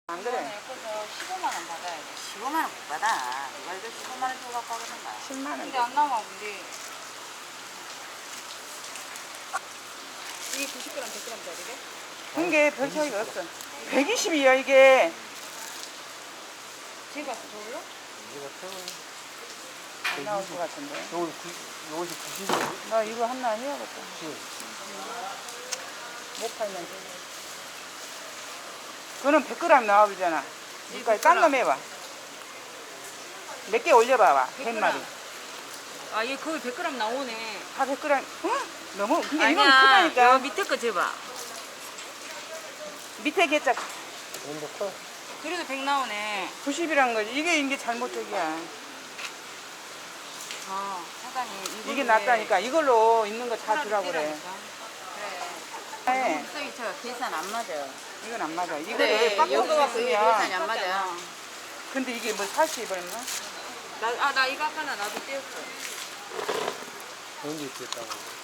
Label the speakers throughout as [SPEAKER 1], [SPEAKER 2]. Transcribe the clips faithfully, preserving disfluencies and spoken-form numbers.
[SPEAKER 1] 안 그래?
[SPEAKER 2] 예뻐서 십오만 원 받아야 돼.
[SPEAKER 3] 십오만 원 못 받아. 누가 이거 십오만 원 주고 갖고 하겠는가?
[SPEAKER 1] 십만 원.
[SPEAKER 2] 근데 안 나와, 근데. 이게 구십 그램, 백 그램짜리래?
[SPEAKER 1] 그게 별 차이가 없어. 백이십이야 이게.
[SPEAKER 2] 제가 왔어, 저걸로?
[SPEAKER 1] 안 나올 것 같은데.
[SPEAKER 4] 요거 요것이 구십이에요.
[SPEAKER 1] 나 이거 하나 해야겠다.
[SPEAKER 4] 구십.
[SPEAKER 1] 못 팔면 돼. 그거는 백 그램 나와보잖아. 그러니까 딴 놈 해봐. 몇 개 올려봐봐. 백 마리.
[SPEAKER 2] 아, 얘 거의 백 그램 나오네.
[SPEAKER 1] 다 백 그램. 어? 너무 근데 이건
[SPEAKER 2] 아니야,
[SPEAKER 1] 크다니까.
[SPEAKER 2] 요 밑에 거 줘봐.
[SPEAKER 1] 밑에 개짝
[SPEAKER 4] 이건 더 커.
[SPEAKER 2] 그래도 백 나오네.
[SPEAKER 1] 구십이란 거지. 이게 이게 잘못적이야.
[SPEAKER 2] 아, 사장님.
[SPEAKER 1] 이게 낫다니까. 이걸로 있는 거 다 주라고 그래.
[SPEAKER 2] 그래.
[SPEAKER 1] 네.
[SPEAKER 3] 목소리 저 계산 안 맞아.
[SPEAKER 1] 이건 안 맞아. 이거를
[SPEAKER 3] 그래,
[SPEAKER 1] 빡
[SPEAKER 3] 여기
[SPEAKER 1] 꽂고
[SPEAKER 3] 계산이 안
[SPEAKER 1] 있으면.
[SPEAKER 3] 맞아.
[SPEAKER 1] 근데 이게 뭐 사십 얼마?
[SPEAKER 2] 나, 아, 나 이거 아까 나도 떼었어.
[SPEAKER 4] 언제 있겠다고.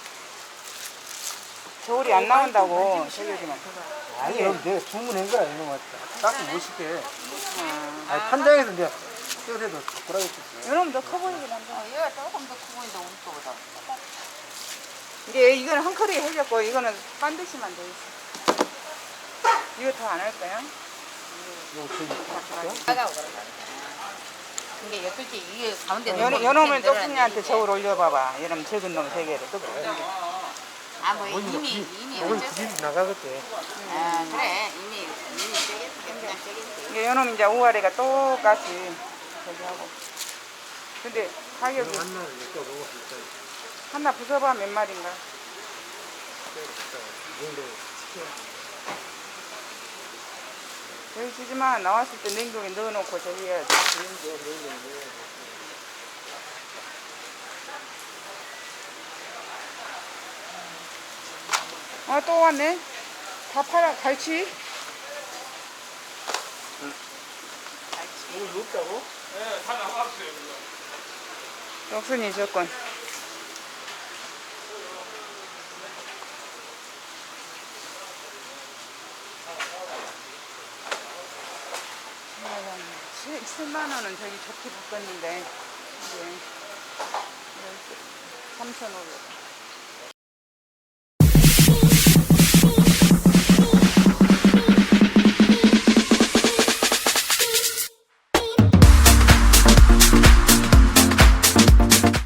[SPEAKER 1] 겨울이 안 나온다고. 저기지만.
[SPEAKER 4] 아니 여기 내가 주문한 거야 이놈 맞다. 딱 오십개.
[SPEAKER 1] 아.
[SPEAKER 4] 아니 판장에서 내가 떼어도 바꾸라고 했지.
[SPEAKER 1] 이놈 더 커 보이긴 한데.
[SPEAKER 3] 어, 얘가 조금 더 크고 있는데 우리 거보다.
[SPEAKER 1] 이게 이거는 헝클이 해졌고 이거는 반드시만 돼 있어. 이거 더 안 할 거야?
[SPEAKER 4] 요거 저기
[SPEAKER 3] 나가고 그러다. 근데 여덟째 이게 가운데
[SPEAKER 1] 요, 요놈을 똑순이한테 저걸 올려봐봐. 이놈 적은 놈 세 개를. 똑
[SPEAKER 3] 아, 뭐
[SPEAKER 4] 뭐
[SPEAKER 3] 이미
[SPEAKER 4] 기-
[SPEAKER 3] 이미
[SPEAKER 4] 요건
[SPEAKER 3] 어쩔 수
[SPEAKER 4] 길이 나가겠대.
[SPEAKER 3] 아, 그래. 이미 이미 떼겠지. 그냥 떼겠지.
[SPEAKER 1] 이게 요놈 이제 우아래가 똑같이 저기 하고. 근데 가격이
[SPEAKER 4] 하나를 내가 먹었을 때
[SPEAKER 1] 하나 부숴봐 몇 마리인가? 여기 주지마. 나왔을 때 냉동에 넣어놓고 저기 해야지. 아, 또 왔네. 다 팔아. 갈치?
[SPEAKER 4] 이거 없다고?
[SPEAKER 1] 떡순이 조건. 칠만 원은 저기 좋게 바꿨는데, 이제 삼천오백 원.